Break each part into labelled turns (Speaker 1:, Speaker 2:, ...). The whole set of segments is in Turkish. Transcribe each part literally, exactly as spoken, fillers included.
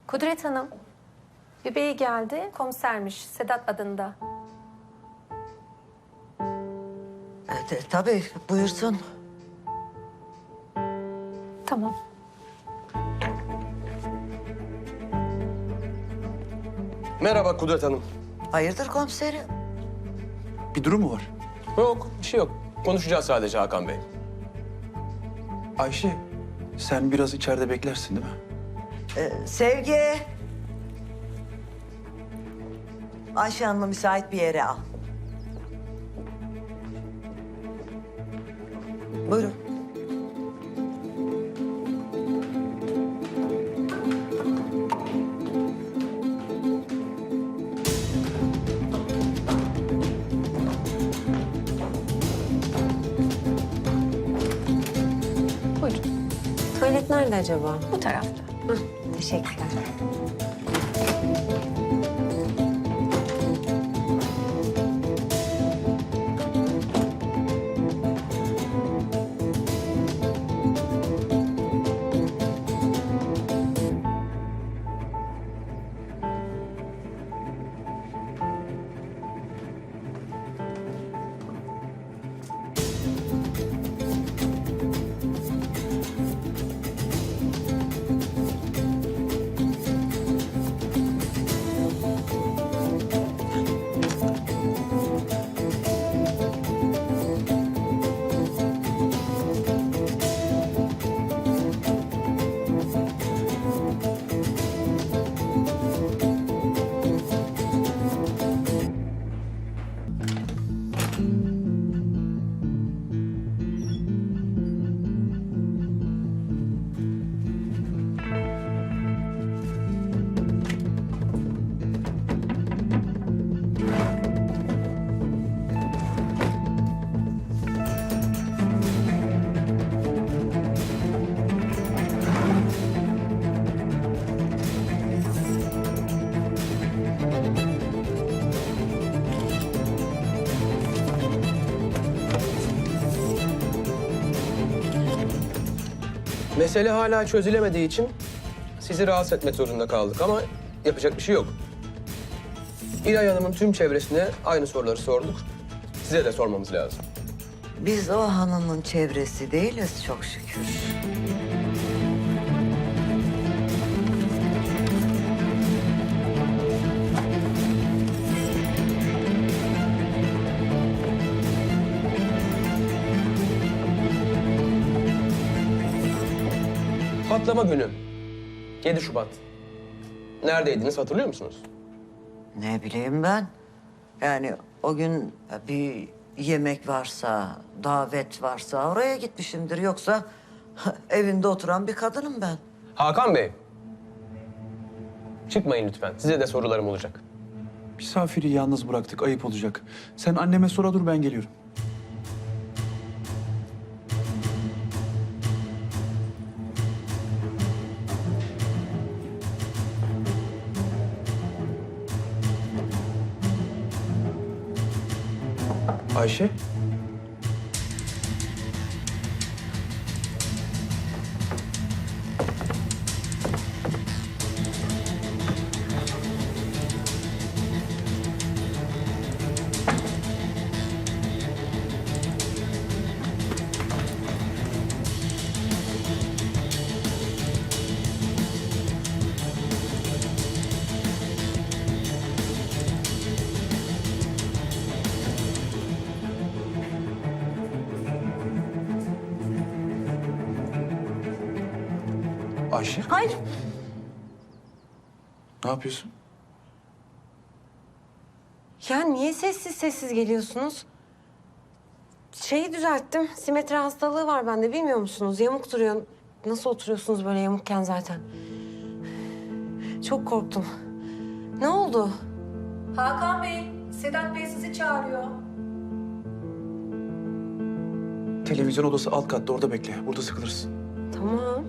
Speaker 1: Kudret Hanım, bir bey geldi, komisermiş, Sedat adında.
Speaker 2: E, tabii, buyursun.
Speaker 1: Tamam.
Speaker 3: Merhaba Kudret Hanım.
Speaker 2: Hayırdır komiserim?
Speaker 4: Bir durum mu var?
Speaker 3: Yok, bir şey yok. Konuşacağız sadece Hakan Bey.
Speaker 4: Ayşe, sen biraz içeride beklersin değil mi?
Speaker 2: Ee, Sevgi. Ayşe Hanım'ı müsait bir yere al. Buyurun.
Speaker 1: Buyurun.
Speaker 5: Tuvalet nerede acaba?
Speaker 1: Bu tarafta.
Speaker 5: Hah, teşekkürler.
Speaker 3: Mesele hala çözülemediği için sizi rahatsız etmek zorunda kaldık ama yapacak bir şey yok. İlay Hanım'ın tüm çevresine aynı soruları sorduk. Size de sormamız lazım.
Speaker 2: Biz o hanımın çevresi değiliz çok şükür.
Speaker 3: Patlama günü. yedi Şubat. Neredeydiniz hatırlıyor musunuz?
Speaker 2: Ne bileyim ben. Yani o gün bir yemek varsa, davet varsa oraya gitmişimdir. Yoksa evinde oturan bir kadınım ben.
Speaker 3: Hakan Bey. Çıkmayın lütfen. Size de sorularım olacak.
Speaker 4: Misafiri yalnız bıraktık, ayıp olacak. Sen anneme sonra dur, ben geliyorum. Ayşe. Ayşe,
Speaker 1: Hayır.
Speaker 4: ne yapıyorsun?
Speaker 5: Ya niye sessiz sessiz geliyorsunuz? Şeyi düzelttim. Simetri hastalığı var bende, bilmiyor musunuz? Yamuk duruyor. Nasıl oturuyorsunuz böyle yamukken zaten? Çok korktum. Ne oldu?
Speaker 1: Hakan Bey, Sedat Bey sizi çağırıyor.
Speaker 4: Televizyon odası alt katta, orada bekle. Burada sıkılırsın.
Speaker 5: Tamam.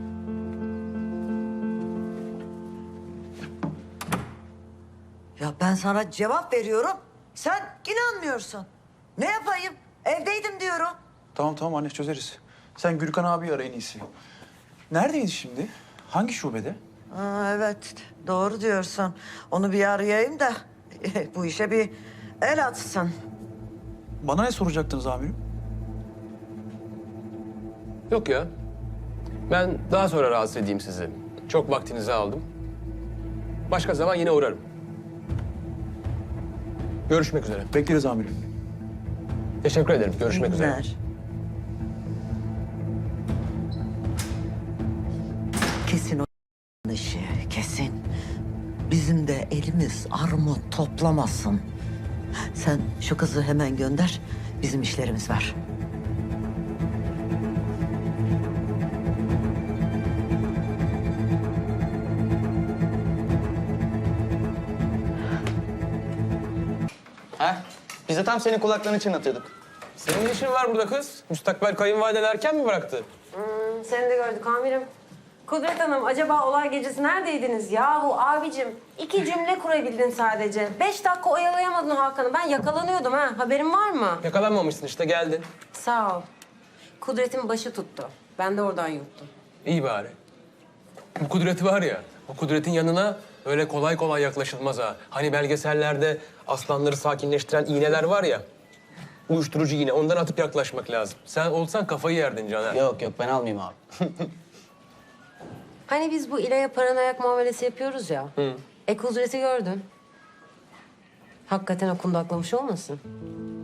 Speaker 2: Ya ben sana cevap veriyorum. Sen inanmıyorsun. Ne yapayım? Evdeydim diyorum.
Speaker 4: Tamam tamam anne, çözeriz. Sen Gürkan abi ara en iyisi. Neredeydi şimdi? Hangi şubede?
Speaker 2: Ha, evet, doğru diyorsun. Onu bir arayayım da bu işe bir el atsın.
Speaker 4: Bana ne soracaktınız amirim?
Speaker 3: Yok ya. Ben daha sonra rahatsız edeyim sizi. Çok vaktinizi aldım. Başka zaman yine uğrarım. Görüşmek üzere.
Speaker 4: Bekleriz amirim.
Speaker 3: Teşekkür ederim. Görüşmek üzere.
Speaker 2: Günler. Kesin o işi, kesin. Bizim de elimiz armut toplamasın. Sen şu kızı hemen gönder, bizim işlerimiz var.
Speaker 6: Ha? Biz de tam senin kulaklarını çınlatıyorduk.
Speaker 3: Senin ne işin var burada kız? Müstakbel kayınvaliden erken mi bıraktı?
Speaker 5: Hmm, seni de gördük amirim. Kudret Hanım, acaba olay gecesi neredeydiniz? Yahu abicim, iki cümle kurabildin sadece. Beş dakika oyalayamadın Hakan'ı. Ben yakalanıyordum ha. Haberin var mı?
Speaker 3: Yakalanmamışsın işte geldin.
Speaker 5: Sağ ol. Kudret'in başı tuttu. Ben de oradan yuttum.
Speaker 3: İyi bari. Bu kudreti var ya, bu kudretin yanına öyle kolay kolay yaklaşılmaz ha. Hani belgesellerde aslanları sakinleştiren iğneler var ya. Uyuşturucu iğne, ondan atıp yaklaşmak lazım. Sen olsan kafayı yerdin Caner.
Speaker 6: Yok yok ben almayayım abi.
Speaker 5: Hani biz bu İlay'a paranoyak muamelesi yapıyoruz ya.
Speaker 3: Hı.
Speaker 5: E Kudret'i gördün. Hakikaten o kundaklamış olmasın?